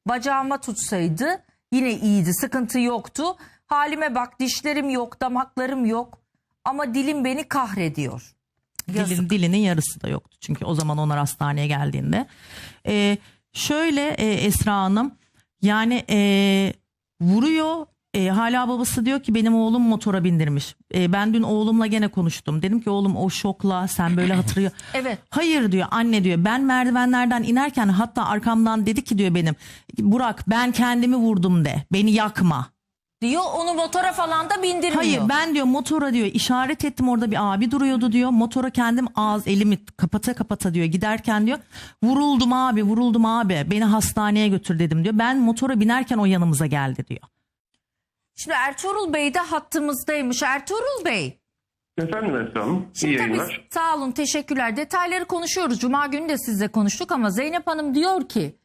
Bacağıma tutsaydı yine iyiydi, sıkıntı yoktu. Halime bak, dişlerim yok, damaklarım yok ama dilim beni kahrediyor. Yazık. Dilinin yarısı da yoktu çünkü o zaman onlar hastaneye geldiğinde. Şöyle Esra Hanım, yani vuruyor. Hala babası diyor ki benim oğlum motora bindirmiş. Ben dün oğlumla gene konuştum. Dedim ki oğlum o şokla sen böyle hatırlıyor. Evet. Hayır diyor anne diyor, ben merdivenlerden inerken hatta arkamdan dedi ki diyor benim, Burak ben kendimi vurdum de, beni yakma. Diyor, onu motora falan da bindirmiyor. Hayır, ben diyor motora diyor işaret ettim, orada bir abi duruyordu diyor. Motora kendim elimi kapata kapata diyor giderken diyor vuruldum abi beni hastaneye götür dedim diyor. Ben motora binerken o yanımıza geldi diyor. Şimdi Ertuğrul Bey de hattımızdaymış. Ertuğrul Bey. Efendim Esra Hanım, iyi Şimdi yayınlar. tabii, sağ olun, teşekkürler. Detayları konuşuyoruz. Cuma günü de sizle konuştuk ama Zeynep Hanım diyor ki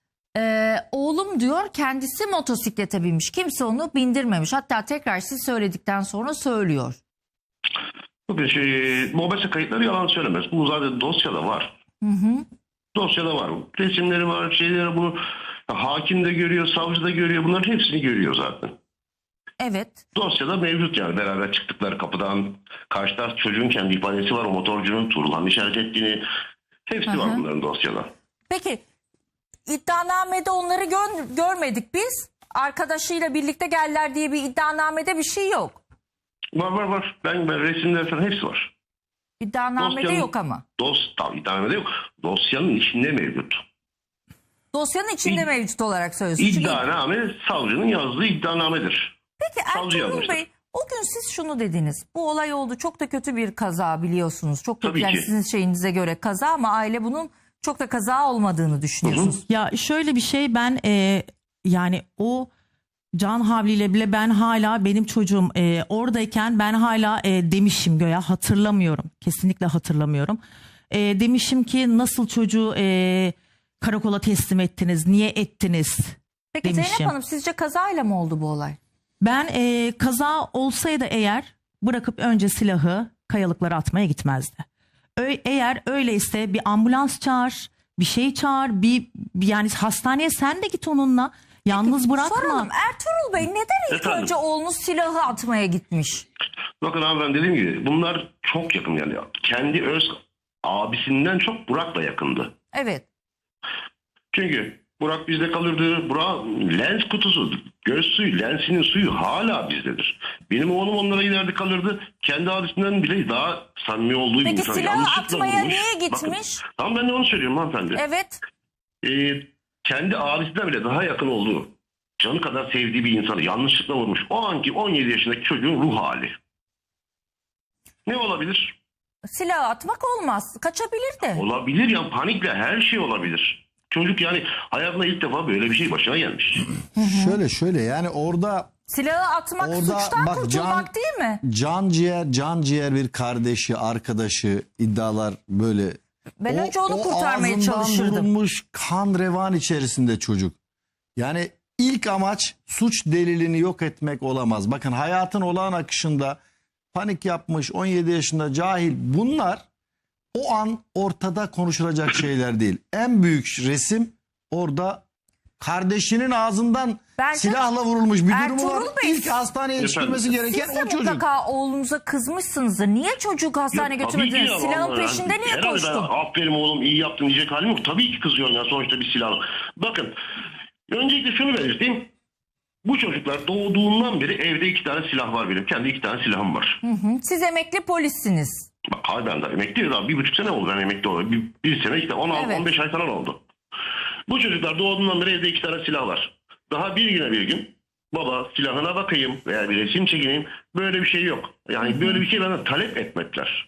oğlum diyor kendisi motosiklete binmiş. Kimse onu bindirmemiş. Hatta tekrar siz söyledikten sonra söylüyor. Bugün mobese kayıtları yalan söylemez. Bu zaten dosyada var. Dosyada var. Resimleri var, şeyleri bunu hakim de görüyor, savcı da görüyor. Bunların hepsini görüyor zaten. Evet. Dosyada mevcut yani, beraber çıktıkları kapıdan karşı taraf çocuğun kendi ifadesi var. O motorcunun Tuğrul'un işaret ettiğini, hepsi var bunların dosyada. Peki iddianamede onları görmedik biz. Arkadaşıyla birlikte geldiler diye bir iddianamede bir şey yok. Var. Ben resimler falan hepsi var. İddianamede yok ama. Tabii iddianamede yok. Dosyanın içinde mevcut. Dosyanın içinde mevcut olarak söylüyorsunuz. Çünkü- İddianame savcının yazdığı iddianamedir. Peki Savcı Ertuğrul yazmıştır. Bey, o gün siz şunu dediniz. Bu olay oldu, çok da kötü bir kaza biliyorsunuz. Çok da Tabii yani ki. sizin şeyinize göre kaza ama aile bunun çok da kaza olmadığını düşünüyorsunuz. Ya şöyle bir şey, ben yani o can havliyle bile ben hala, benim çocuğum oradayken ben hala demişim göya, hatırlamıyorum. Kesinlikle hatırlamıyorum. Demişim ki nasıl çocuğu karakola teslim ettiniz? Niye ettiniz? Peki demişim. Zeynep Hanım, sizce kazayla mı oldu bu olay? Ben kaza olsaydı eğer bırakıp önce silahı kayalıklara atmaya gitmezdi. Eğer öyleyse bir ambulans çağır, bir şey çağır, yani hastaneye sen de git onunla. Yalnız bırakma. Soralım, Ertuğrul Bey neden ilk Efendim? önce oğlunuz silahı atmaya gitmiş? Bakın abi, ben dediğim gibi bunlar çok yakın yani. Kendi öz abisinden çok Burak'la yakındı. Evet. Çünkü Burak bizde kalırdı. Burak lens kutusu, göz suyu, lensinin suyu hala bizdedir. Benim oğlum onlara giderdi kalırdı. Kendi abisinden bile daha samimi olduğu bir Peki insan. silahı Yanlışlıkla atmaya vurmuş. niye gitmiş? Bakın, tamam, ben de onu söylüyorum hanımefendi. Evet. Kendi abisinden bile daha yakın olduğu, canı kadar sevdiği bir insanı yanlışlıkla vurmuş. O anki 17 yaşındaki çocuğun ruh hali. Ne olabilir? Silahı atmak olmaz. Kaçabilir de. Olabilir ya, panikle her şey olabilir. Çocuk yani hayatında ilk defa böyle bir şey başına gelmiş. Şöyle yani orada Silahı atmak Orada suçtan bak, kurtulmak değil mi? can ciğer bir kardeşi, arkadaşı, iddialar böyle. Ben önce onu kurtarmaya ağzından çalışırdım. vurulmuş kan revan içerisinde çocuk. Yani ilk amaç suç delilini yok etmek olamaz. Bakın hayatın olağan akışında panik yapmış 17 yaşında cahil, bunlar o an ortada konuşulacak şeyler değil. En büyük resim orada kardeşinin ağzından Bence silahla vurulmuş bir durumu var. Ertuğrul Bey, İlk hastaneye yetiştirmesi gereken Siz de o çocuk. mutlaka oğlunuza kızmışsınızdır. Niye çocuğu hastaneye Ya, tabii ki götürmediniz? ya, Silahın vallahi peşinde niye herhalde koştun? aferin oğlum, iyi yaptın diyecek halim yok. Tabii ki kızıyorum ya, sonuçta bir silah. Bakın, öncelikle şunu belirteyim. Bu çocuklar doğduğundan beri evde 2 tane silah var benim. Kendi 2 tane silahım var. Siz emekli polissiniz. Bak abi, ben de emekliyim daha 1,5 sene oldu ben emekli olalı. Bir sene işte 16-15 Evet. ay falan oldu. Bu çocuklar doğduğundan beri evde 2 tane silah var. Daha bir güne bir gün baba silahına bakayım veya bir resim çekeyim, böyle bir şey yok. Yani böyle bir şey bana talep etmekler.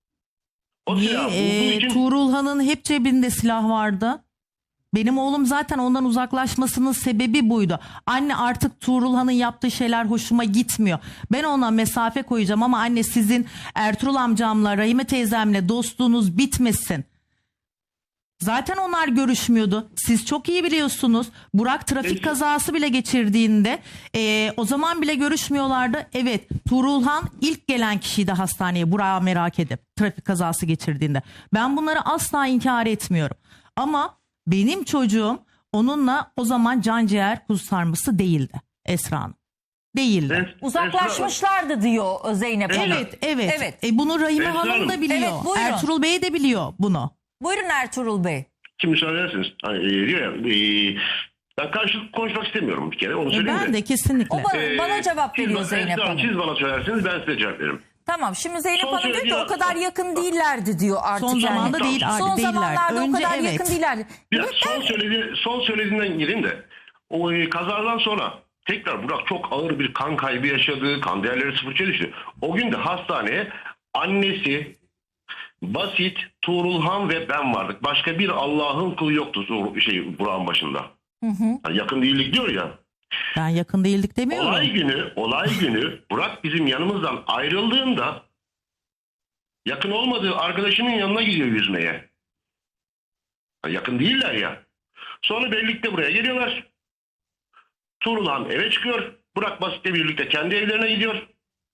O silah bulduğu için Tuğrulhan'ın hep cebinde silah vardı. Benim oğlum zaten ondan uzaklaşmasının sebebi buydu. Anne artık Tuğrulhan'ın yaptığı şeyler hoşuma gitmiyor. Ben ona mesafe koyacağım ama anne sizin Ertuğrul amcamla, Rahime teyzemle dostluğunuz bitmesin. Zaten onlar görüşmüyordu. Siz çok iyi biliyorsunuz. Burak trafik kazası bile geçirdiğinde o zaman bile görüşmüyorlardı. Evet, Tuğrulhan ilk gelen kişiydi hastaneye Burak'ı merak edip trafik kazası geçirdiğinde. Ben bunları asla inkar etmiyorum. Ama benim çocuğum onunla o zaman can ciğer kuzu sarması değildi Esra Hanım. Değildi. Uzaklaşmışlardı diyor Zeynep Hanım. Evet. Evet. Bunu Rahime Esra Hanım Hanım. da biliyor. Evet, buyurun. Ertuğrul Bey de biliyor bunu. Buyurun Ertuğrul Bey. Şimdi müsaade ederseniz. Hani, diyor ya, ben karşılıklı konuşmak istemiyorum bir kere. Onu söyleyeyim Ben de kesinlikle. O bana cevap veriyor Zeynep Esra, Hanım. siz bana söylerseniz ben size cevap veririm. Tamam, şimdi Zeynep Son Hanım diyor ki söylediği- o kadar yakın değillerdi diyor artık. Son yani. zamanda değil, Son değiller. zamanlarda o Önce kadar evet. yakın değillerdi. Ya, son söylediğinden gireyim de o kazadan sonra tekrar Burak çok ağır bir kan kaybı yaşadı. Kan değerleri sıfırça düştü. O gün de hastaneye annesi, Basit, Tuğrulhan ve ben vardık. Başka bir Allah'ın kulu yoktu Burak'ın başında. Yani yakın değillik diyor ya. Ben yakın değildik demiyorum. Olay günü Burak bizim yanımızdan ayrıldığında yakın olmadığı arkadaşının yanına gidiyor yüzmeye. Yani yakın değiller ya. Sonra birlikte buraya geliyorlar. Tuğrulhan eve çıkıyor. Burak Basit'le birlikte kendi evlerine gidiyor.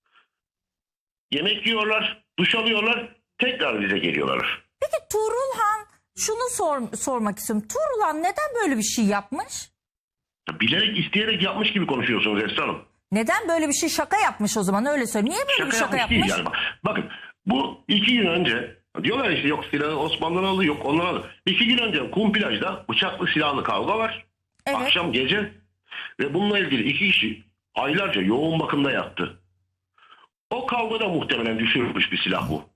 Yemek yiyorlar, duş alıyorlar. Tekrar bize geliyorlar. Peki Tuğrulhan, şunu sormak istiyorum. Tuğrulhan neden böyle bir şey yapmış? Bilerek isteyerek yapmış gibi konuşuyorsunuz Esra Hanım. Neden böyle bir şey, şaka yapmış o zaman, öyle söyle. Niye böyle bir şaka yapmış? Değil yani. Bakın bu 2 gün önce diyorlar işte yok silahı Osmanlı'dan aldı, yok ondan aldı. 2 gün önce kum plajda bıçaklı silahlı kavga var. Evet. Akşam gece ve bununla ilgili 2 kişi aylarca yoğun bakımda yattı. O kavgada muhtemelen düşürmüş bir silah bu.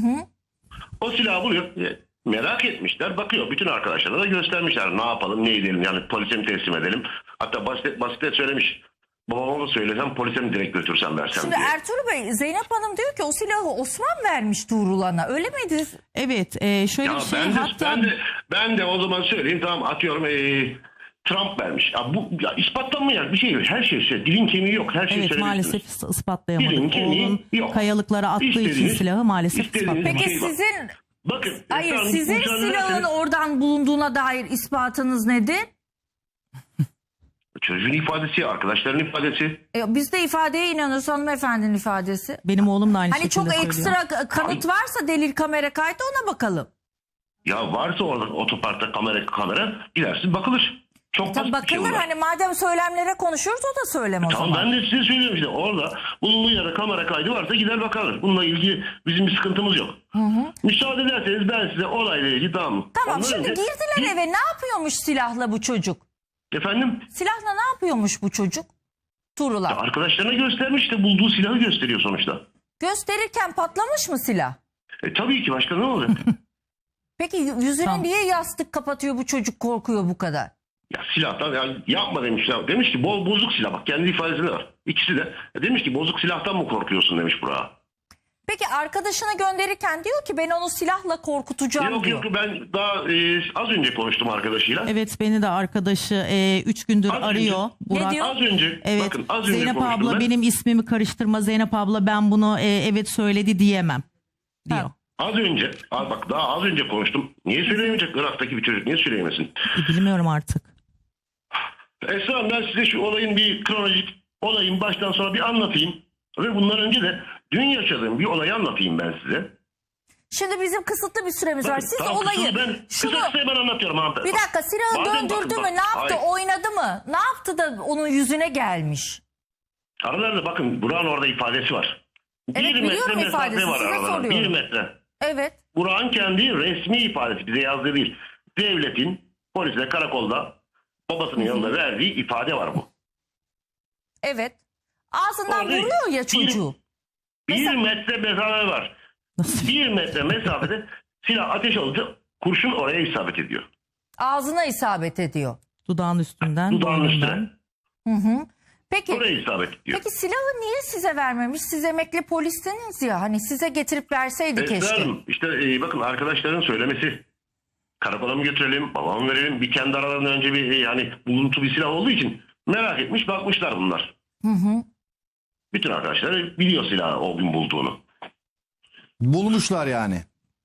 O silahı buluyor. Merak etmişler. Bakıyor. Bütün arkadaşlara da göstermişler. Ne yapalım, ne edelim? Yani polise mi teslim edelim? Hatta Basit'e söylemiş. Babama da söylesem polise mi direkt götürsem versem Şimdi diye. Ertuğrul Bey, Zeynep Hanım diyor ki o silahı Osman vermiş Tuğrulhan'a. Öyle miydi? Evet, şöyle Ya bir şey hatta ben de o zaman söyleyeyim, tamam atıyorum Trump vermiş. Ya bu ya ispatlanmayan bir şey yok. Her şey dilin kemiği yok. Her şeyi evet söyleyebilirsiniz. maalesef ispatlayamadık. Dilin kemiği Oğlun yok. kayalıklara attığı için İstediğiniz- silahı maalesef istediğiniz- ispatlayamadık. Peki şey var. sizin Bakın. hayır, efendim, sizin müsaade silahın ederseniz- oradan bulunduğuna dair ispatınız nedir? Çocuğun ifadesi, arkadaşların ifadesi. Biz de ifadeye inanıyoruz, hanımefendinin ifadesi. Benim oğlum da aynı Hani şekilde çok söylüyor. ekstra kanıt varsa, delil, kamera kaydı, ona bakalım. Ya varsa orada otoparkta kamera gidersin bakılır. Çok Tabii basit bir şey bakılır, bunlar. hani madem söylemlere konuşuyoruz o da söylem o Tamam, zaman. ben de size söylüyorum işte orada bulunduğu yere kamera kaydı varsa gider bakarız. Bununla ilgili bizim bir sıkıntımız yok. Müsaade ederseniz ben size olayla ilgili tamam. Tamam, Ondan şimdi önce- girdiler eve, ne yapıyormuş silahla bu çocuk? Efendim? Silahla ne yapıyormuş bu çocuk? Tuğrulhan. Arkadaşlarına göstermiş de bulduğu silahı gösteriyor sonuçta. Gösterirken patlamış mı silah? Tabii ki, başka ne olacak? Peki yüzüne Tamam. niye yastık kapatıyor bu çocuk, korkuyor bu kadar? Ya silahtan yani yapma demişler. Demiş ki bozuk silah, bak kendi ifadesinde var. İkisi de demiş ki bozuk silahtan mı korkuyorsun demiş Burak'a. Peki arkadaşını gönderirken diyor ki ben onu silahla korkutacağım Yok diyor. yok, ben daha az önce konuştum arkadaşıyla. Evet, beni de arkadaşı 3 gündür Az önce- arıyor. Burak. diyor? Az önce Evet, bakın az önce Zeynep konuştum abla ben. benim ismimi karıştırma, Zeynep abla ben bunu evet söyledi diyemem diyor. Ha. Az önce bak daha az önce konuştum. Niye söyleyemeyecek Irak'taki bir çocuk, niye söyleyemesin? Bilmiyorum artık. Esra Hanım, ben size şu olayın bir kronolojik olayın baştan sona bir anlatayım. Ve bundan önce de dün yaşadığım bir olayı anlatayım ben size. Şimdi bizim kısıtlı bir süremiz var. Bakın, Siz tamam, olayı kısa ben anlatıyorum hanımefendi. bir dakika, silahı Bazen döndürdü bakın, mü, ne yaptı, hayır. oynadı mı? Ne yaptı da onun yüzüne gelmiş? Aralarında bakın Burak'ın orada ifadesi var. Evet, biliyorum ifadesi, size soruyorum. 1 metre. Evet. Burak'ın kendi resmi ifadesi, bize yazdığı değil. Devletin polisle karakolda babasının yanında verdiği ifade var bu. Evet. Ağzından Orada vuruyor ya çocuğu. 1 metre mesafe var. Nasıl? 1 metre mesafede silah ateş olunca kurşun oraya isabet ediyor. Ağzına isabet ediyor. Dudağın üstünden, Dudağın boynundan. üstüne. Peki. Oraya isabet ediyor. Peki silahı niye size vermemiş? Siz emekli polistiniz ya. Hani size getirip verseydi Esra keşke. Hanım, işte bakın arkadaşların söylemesi. Karakola mı götürelim, babama mı verelim? Bir kendi aralarında önce bir yani buluntu bir silah olduğu için merak etmiş, bakmışlar bunlar. Bütün arkadaşlar biliyor silahı o gün bulduğunu. Bulmuşlar yani.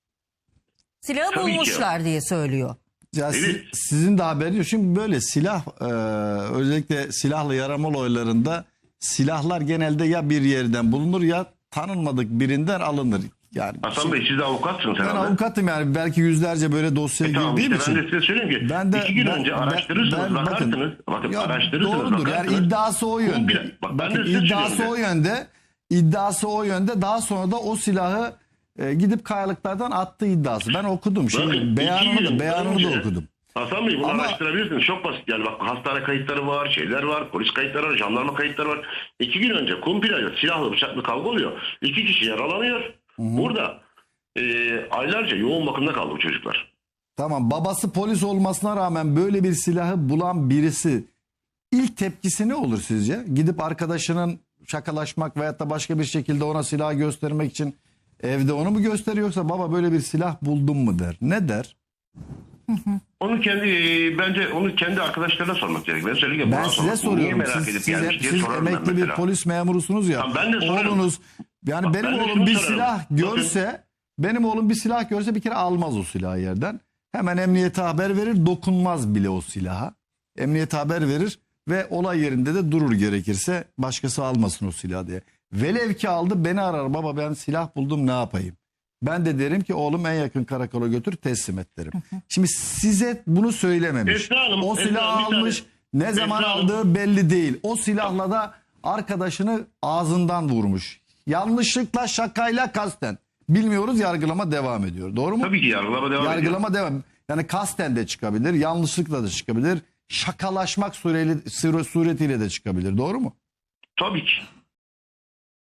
Silahı Tabii ki. bulmuşlar diye söylüyor. Ya Evet. sizin de haberiniz yok. Şimdi böyle silah özellikle silahlı yaramalı olaylarında silahlar genelde ya bir yerden bulunur ya tanınmadık birinden alınır. Yani Hasan Bey siz de avukatsınız ben herhalde. avukatım yani belki yüzlerce böyle dosyaya Tamam girdiğim işte için. ben de size söyleyeyim ki 2 gün önce araştırırsınız, bakarsınız. Bakın ya araştırırsınız, doğrudur. bakarsınız. Yani iddiası o yönde. Bak, ben Bakın, de size iddiası söylüyorum o yönde. İddiası o yönde. Daha sonra da o silahı gidip kayalıklardan attığı iddiası. Ben okudum. Bakın, Beyanını da okudum. Hasan Bey bunu Ama- araştırabilirsiniz. Çok basit. Yani bak hastane kayıtları var, şeyler var, polis kayıtları var, jandarma kayıtları var. 2 gün önce kumpilayla silahlı bıçaklı kavga oluyor. 2 kişi yaralanıyor. Burada aylarca yoğun bakımda kaldı bu çocuklar. Tamam, babası polis olmasına rağmen böyle bir silahı bulan birisi ilk tepkisi ne olur sizce? Gidip arkadaşının şakalaşmak veyahut da başka bir şekilde ona silah göstermek için evde onu mu gösteriyor, yoksa baba böyle bir silah buldum mu der? Ne der? Onu bence onu kendi arkadaşlarına sormak gerek. Ben söyleyeyim. Ben size soruyorum. Siz emekli bir polis memurusunuz ya. Tamam, ben de sorarım. Oğlunuz, yani Bak, benim ben de oğlum şunu bir sorarım. silah görse, benim oğlum bir silah görse bir kere almaz o silahı yerden. Hemen emniyete haber verir, dokunmaz bile o silaha. Emniyete haber verir ve olay yerinde de durur, gerekirse başkası almasın o silahı diye. Velev ki aldı, beni arar, baba ben silah buldum ne yapayım? Ben de derim ki oğlum en yakın karakola götür teslim et derim. Şimdi size bunu söylememiş. Esra Hanım, O Esra silahı Hanım, bir almış, saniye. ne zaman Esra Hanım. aldığı belli değil. O silahla da arkadaşını ağzından vurmuş. Yanlışlıkla, şakayla, kasten. Bilmiyoruz, yargılama devam ediyor. Doğru mu? Tabii ki yargılama devam ediyor. Yargılama devam. Yani kasten de çıkabilir, yanlışlıkla da çıkabilir. Şakalaşmak suretiyle de çıkabilir. Doğru mu? Tabii ki.